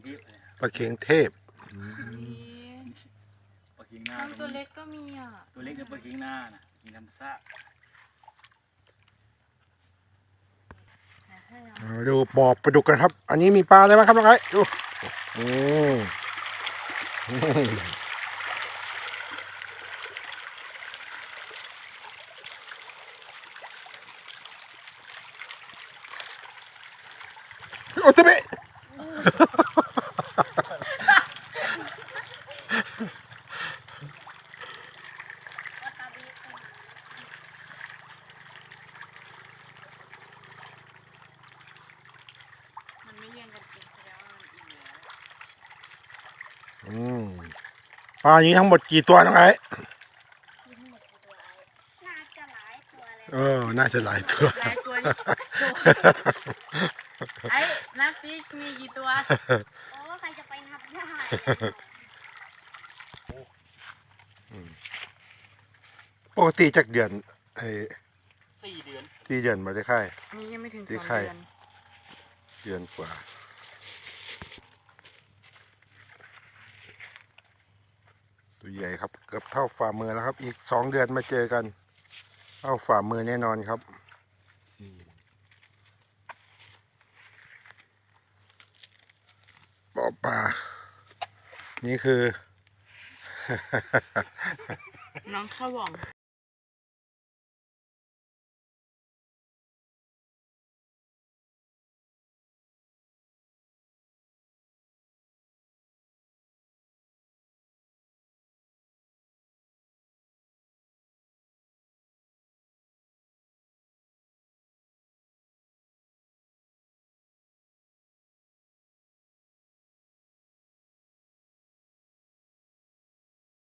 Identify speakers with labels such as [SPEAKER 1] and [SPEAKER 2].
[SPEAKER 1] ปลาเค็งเทพ
[SPEAKER 2] ปลาเค็งหน้า
[SPEAKER 3] ตัวเล็กก็มีอ่ะ
[SPEAKER 2] ตัวเล็กเนี่ยปลาเค็งหน้านะมีธรรมชาติ
[SPEAKER 1] ดูบ่อปลาดุกกันครับ อันนี้มีปลาอะไรบ้างครับน้องไอ้ดูอืมโอ้ตะเบะ
[SPEAKER 3] มันไม่เลี้ยงกันกินแสดงว่ามันอิ่มแล้ว
[SPEAKER 1] ปลานี้ทั้งหมดกี่ตัวน้องไอ้
[SPEAKER 4] น่าจะหลายตัวเลย
[SPEAKER 1] น่าจะหลายตัว
[SPEAKER 3] หลายตัวนี่ไอ้นับซิมีกี่ตัว
[SPEAKER 4] โอ้ใครจะไปนับได้
[SPEAKER 1] ปกติจากเดือน
[SPEAKER 2] 4 เดือน
[SPEAKER 1] 4 เดือนมาได้ค่าย
[SPEAKER 3] นี่ยังไม่ถึง
[SPEAKER 1] ที่
[SPEAKER 3] 2
[SPEAKER 1] ไข่
[SPEAKER 3] เดือน
[SPEAKER 1] เดือนกว่า ตัวใหญ่ครับเกือบเท่าฝ่ามือแล้วครับ อีก2 เดือนมาเจอกันเท่าฝ่ามือแน่นอนครับบ่อปลานี่คือ
[SPEAKER 3] น้องข้าวหว่อง